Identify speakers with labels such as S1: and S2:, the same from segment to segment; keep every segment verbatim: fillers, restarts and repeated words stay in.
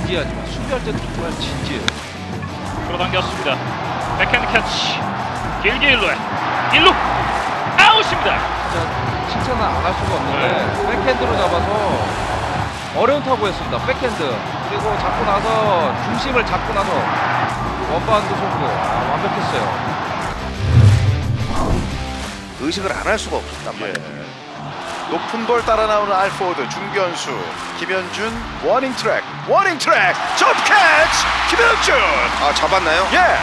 S1: 진지하지만 수비할 때도 정말 진지해요.
S2: 끌어당겼습니다. 백핸드 캐치. 길게 일루에 일루 아웃입니다.
S1: 진짜 칭찬을 안 할 수가 없는데 백핸드로 잡아서 어려운 타구였습니다. 백핸드 그리고 잡고 나서 중심을 잡고 나서 원바운드 송구 아, 완벽했어요.
S3: 의식을 안 할 수가 없었단 말이에요. 높은 볼 따라 나오는 알포드 중견수 김현준 워닝 트랙 워닝 트랙 점프 캐치 김현준 아 잡았나요? 예.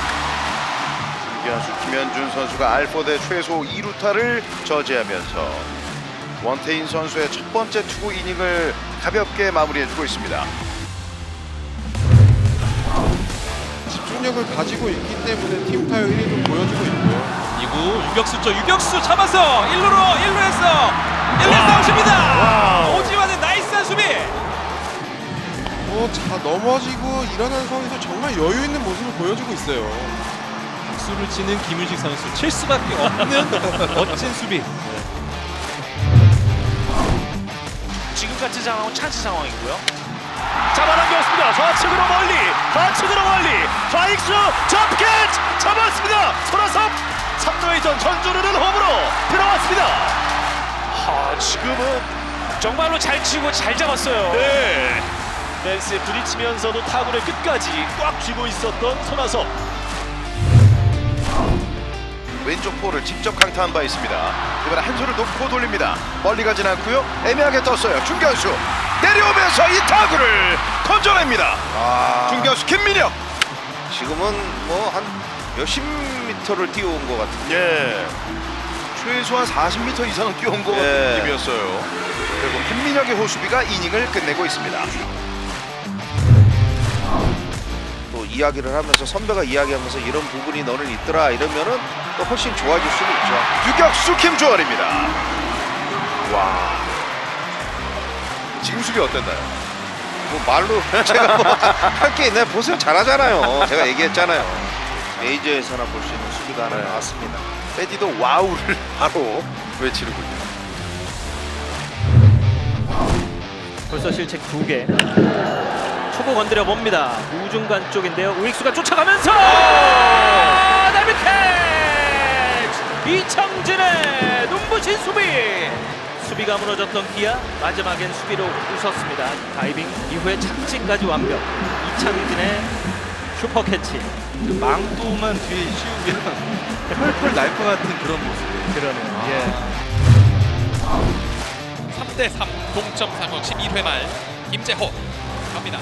S3: 중견수 김현준 선수가 알포드의 최소 이 루타를 저지하면서 원태인 선수의 첫 번째 투구 이닝을 가볍게 마무리해주고 있습니다.
S4: 집중력을 가지고 있기 때문에 팀 타율 일 위도 보여주고 있고요.
S5: 이구 유격수 쪽 유격수 잡아서 일 루로 일 루에서 일 루에서 아웃입니다. 오지환의 나이스한 수비.
S4: 어, 자 넘어지고 일어난 상황에서 정말 여유 있는 모습을 보여주고 있어요.
S5: 박수를 치는 김윤식 선수 칠 수밖에 없는 멋진 수비.
S2: 지금같이 상황은 찬스 상황이고요. 잡아당겼습니다. 좌측으로 멀리, 좌측으로 멀리, 좌익수 점프 캐치 잡았습니다. 손아섭 삼 루의 전 전주르는 홈으로 들어왔습니다. 아, 지금은 정말로 잘 치고 잘 잡았어요. 네. 펜스에 부딪히면서도 타구를 끝까지 꽉 쥐고 있었던 손아섭.
S3: 왼쪽 볼을 직접 강타한 바 있습니다. 이번에 한 손을 놓고 돌립니다. 멀리 가진 않고요. 애매하게 떴어요. 중견수 내려오면서 이 타구를 건져냅니다. 아... 중견수 김민혁. 지금은 뭐 한 몇십 미터를 뛰어온 것 같은데. 예. 최소한 사십 미터 이상은 뛰어온 것 같은 느낌이었어요. 그리고 김민혁의 호수비가 이닝을 끝내고 있습니다. 또 이야기를 하면서 선배가 이야기하면서 이런 부분이 너는 있더라 이러면은 또 훨씬 좋아질 수도 있죠. 유격수 김주원입니다. 와. 지금 수비 어땠나요? 뭐 말로 제가 뭐 할 게 있나요? 보세요, 잘하잖아요. 제가 얘기했잖아요. 메이저에서나 볼 수 있는 수비가 하나 나왔습니다. 패디도 와우를 바로 외치르고 있네요.
S6: 벌써 실책 두 개. 초구 건드려 봅니다. 우중간 쪽인데요. 우익수가 쫓아가면서 더블 캐치! 이창진의 눈부신 수비. 수비가 무너졌던 기아 마지막엔 수비로 웃었습니다. 다이빙 이후에 착지까지 완벽. 이창진의 슈퍼 캐치.
S1: 그 망토만 뒤에 씌우면 펄펄 날 것 같은 그런 모습이에요.
S6: 그러네요.
S1: 예.
S5: 삼 대 삼 동점 상황 십일 회 말 김재호 갑니다.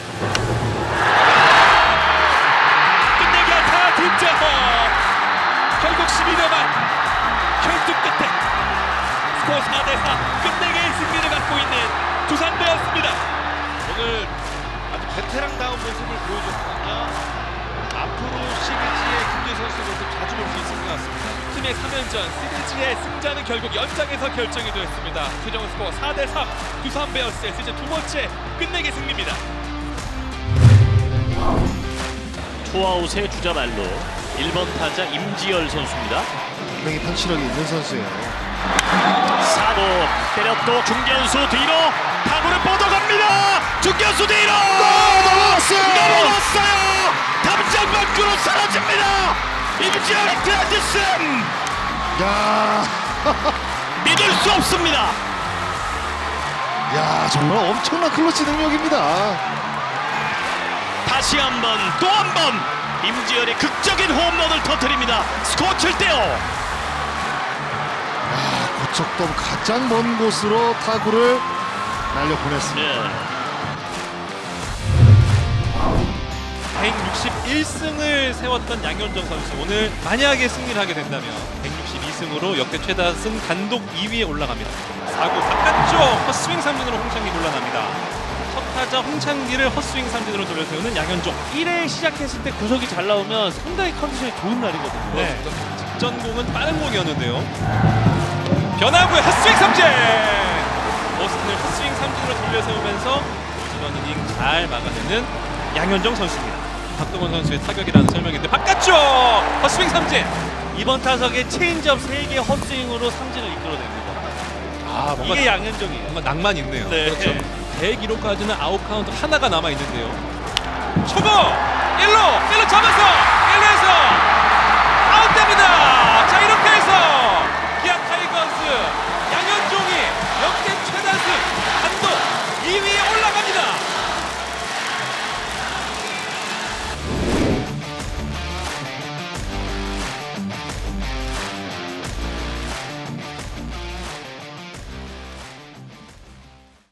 S5: 끝내기 안타 김재호. 결국 십일 회 말 결투 끝에 스코어 사 대 사 끝내기의 승리를 갖고 있는 두산 베어스입니다.
S1: 오늘 아주 베테랑다운 모습을 보여줬거든요. 앞으로 시리즈의 김재 선수의 모습 자주 볼 수 있을 것 같습니다.
S5: 팀의 삼 연전 시리즈의 승자는 결국 연장에서 결정이 되었습니다. 최종 스코어 사 대 삼 두산 베어스의 시즌 두 번째 끝내기 승리입니다.
S6: 투아웃의 주자 말로 일 번 타자 임지열 선수입니다.
S4: 분명히 펀치력이 있는 선수예요.
S6: 사구 때렸고 중견수 뒤로 타구를 뻗어갑니다. 중견수 뒤로 넘어갔어요. 넘어갔어요. 담장 밖으로 사라집니다. 임지열의 그랜드슬.
S4: 야,
S6: 믿을 수 없습니다.
S4: 야 정말 엄청난 클러치 능력입니다.
S6: 다시 한번 또 한 번 임지열의 극적인 홈런을 터뜨립니다. 스코어 칠 대 오.
S4: 고척돔 가장 먼 곳으로 타구를 날려보냈습니다.
S5: 백육십일 승을 세웠던 양현종 선수 오늘 만약에 승리를 하게 된다면 백육십이 승으로 역대 최다승 단독 이 위에 올라갑니다. 사구 바깥쪽 헛스윙 삼진으로 홍창기 곤란합니다. 첫 타자 홍창기를 헛스윙 삼진으로 돌려세우는 양현종.
S6: 일 회 시작했을 때 구석이 잘 나오면 상당히 컨디션이 좋은 날이거든요.
S5: 네. 직전 공은 빠른 공이었는데요. 변화구의 헛스윙 삼진! 버스틴을 헛스윙 삼진으로 돌려세우면서 이번 이닝 잘 막아내는 양현종 선수입니다. 박동원 선수의 타격이라는 설명인데 바깥쪽 헛스윙 삼진!
S6: 이번 타석에 체인지업 세 개 헛스윙으로 삼진을 이끌어냅니다.
S5: 아, 뭔가
S6: 이게 양현종이에요.
S5: 뭔가 낭만 있네요.
S6: 네.
S5: 그렇죠. 대기록까지는 아웃 카운트 하나가 남아 있는데요. 초구 일 루 일 루 잡았어.